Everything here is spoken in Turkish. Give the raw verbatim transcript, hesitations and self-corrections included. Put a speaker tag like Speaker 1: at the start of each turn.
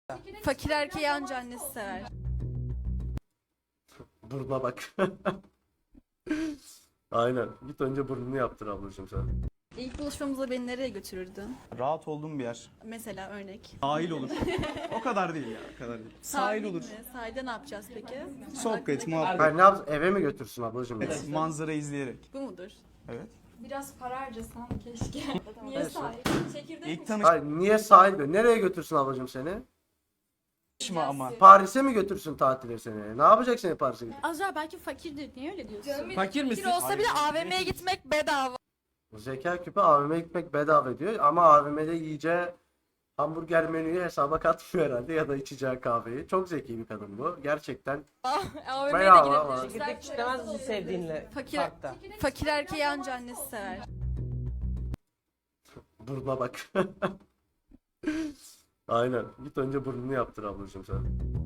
Speaker 1: Fakir erkeği anca annesi sever.
Speaker 2: Burnuna bak. Aynen. Git önce burnunu yaptır ablacığım sen.
Speaker 1: İlk buluşmamızda beni nereye götürürdün?
Speaker 3: Rahat olduğum bir yer.
Speaker 1: Mesela örnek.
Speaker 3: Sahil olur. O kadar değil ya, o kadar değil. Sahil olur.
Speaker 1: Mi? Sahilde ne yapacağız peki?
Speaker 3: Sohbet, muhabbet,
Speaker 2: Hayır, ne yap? Eve mi götürsün ablacığım?
Speaker 3: evet, manzara izleyerek.
Speaker 1: Bu mudur?
Speaker 3: Evet.
Speaker 4: Biraz para harcasam keşke. Niye
Speaker 2: Evet.
Speaker 4: sahip? Çekirdek
Speaker 3: İlk
Speaker 4: mi?
Speaker 2: Hayır, niye sahil diyor? Nereye götürsün ablacığım seni?
Speaker 3: tanışma ama.
Speaker 2: Paris'e mi götürsün tatile seni? Ne yapacak seni Paris'e götür?
Speaker 1: Azra belki fakirdir. Niye öyle diyorsun?
Speaker 5: Fakir misin?
Speaker 1: Fakir olsa bile A V M'ye gitmek bedava.
Speaker 2: Zeka küpü A V M'ye gitmek bedava diyor ama A V M'de yiyeceği hamburger menüyü hesaba katmıyor herhalde ya da içeceği kahveyi. Çok zeki bir kadın bu. Gerçekten
Speaker 1: A V M'ye de
Speaker 2: Bedava ama.
Speaker 1: gidebiliriz.
Speaker 5: Çekirdek çitlemez misin sevdiğinle
Speaker 1: Fakir,
Speaker 5: parkta?
Speaker 1: fakir erkeği anca annesi sever.
Speaker 2: burnuna bak. Aynen. Git önce burnunu yaptır ablacığım sen.